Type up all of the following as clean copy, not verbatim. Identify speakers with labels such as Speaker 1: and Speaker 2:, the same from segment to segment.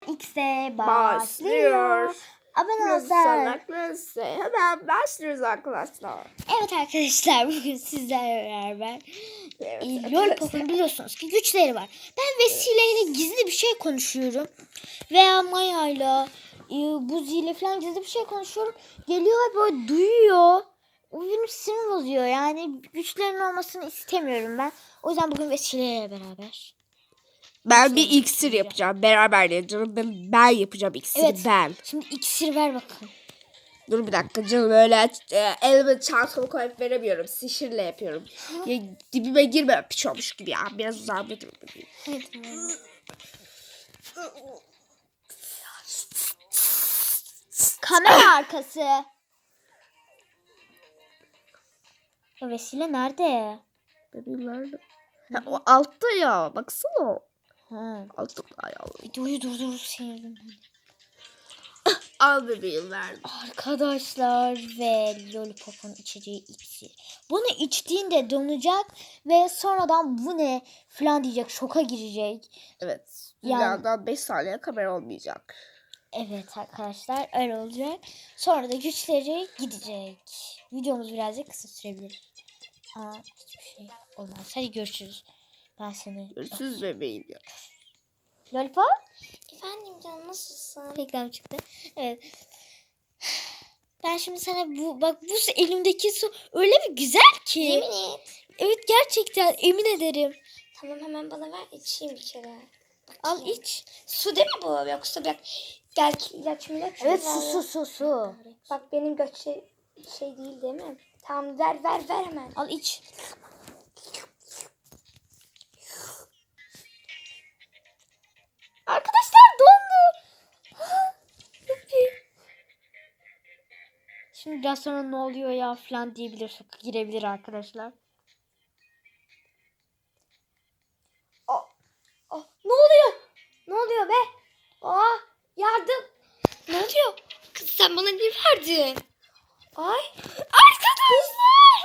Speaker 1: X'e başlıyor. Abone olursanız.
Speaker 2: Hemen başlıyoruz arkadaşlar.
Speaker 1: Evet arkadaşlar, bugün sizlerle beraber
Speaker 2: Evet,
Speaker 1: Lollipop'un biliyorsunuz ki güçleri var. Ben Vesile'yle gizli bir şey konuşuyorum. Veya Maya'yla Buzi ile falan gizli bir şey konuşuyorum. Geliyor ve böyle duyuyor. O benim sinir bozuyor. Yani güçlerin olmasını istemiyorum ben. O yüzden bugün Vesile'yle beraber.
Speaker 2: Ben bir iksir yapacağım. Beraber de canım. Ben yapacağım iksiri
Speaker 1: Evet.
Speaker 2: ben.
Speaker 1: Şimdi iksir ver bakalım.
Speaker 2: Dur bir dakika canım, öyle elime çantama koyup veremiyorum. Sihirle yapıyorum. Ya, dibime girme piç olmuş gibi ya. Biraz uzağımda dur.
Speaker 1: Evet. Kamera arkası. Ya Vesile nerede?
Speaker 2: Bebeğim nerede? Ha, o altta ya. Baksana.
Speaker 1: Ha.
Speaker 2: Altta ya.
Speaker 1: Videoyu durdur sinirimden.
Speaker 2: Al bebeğim verdim.
Speaker 1: Arkadaşlar ve Lollipop'un içeceği iksir. Bunu içtiğinde donacak ve sonradan bu ne falan diyecek, şoka girecek.
Speaker 2: Evet.
Speaker 1: Yani-
Speaker 2: Dünyadan 5 saniye kamera olmayacak.
Speaker 1: Evet arkadaşlar, öyle olacak. Sonra da güçleri gidecek. Videomuz birazcık kısa sürebilir. Ama hiçbir şey olmaz. Hadi görüşürüz. Ben seni...
Speaker 2: Görüşürüz bebeğim ya.
Speaker 1: Lollipop?
Speaker 3: Efendim canım, nasılsın?
Speaker 1: Reklam çıktı. Evet. Ben şimdi sana bak bu elimdeki su öyle bir güzel ki.
Speaker 3: Yemin et.
Speaker 1: Evet, gerçekten emin ederim.
Speaker 3: Tamam, hemen bana ver, içeyim bir kere.
Speaker 1: Al iç.
Speaker 3: Su değil mi bu, yoksa bak gel ilaç mı?
Speaker 1: Evet, su.
Speaker 3: Bak benim göç şey değil mi? Tamam, ver hemen.
Speaker 1: Al iç. Arkadaşlar dondu. Şimdi biraz sonra ne oluyor ya falan diyebilir, şoka girebilir arkadaşlar.
Speaker 3: Ne oluyor? Ne oluyor be? Yardım. Ne oluyor? Kız sen bana ne verdin? Ay.
Speaker 1: Arkadaşlar.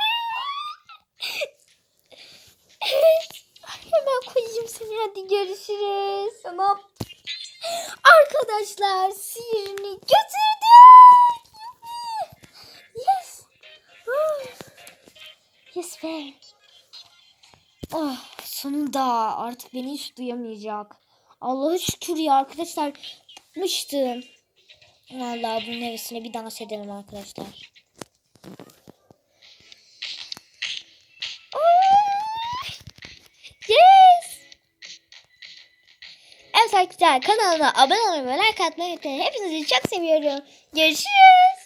Speaker 1: Evet. Hemen koyayım seni, hadi görüşürüz.
Speaker 3: Tamam.
Speaker 1: Arkadaşlar sihirini götürdük. Yes. Yes be. Oh, sonunda artık beni hiç duyamayacak. Allah'a şükür ya arkadaşlar. Yapmıştım. Vallahi bunun hevesine bir dans edelim arkadaşlar. Yes. Evet arkadaşlar, kanalıma abone olmayı ve like atmayı unutmayın. Hepinizi çok seviyorum. Görüşürüz.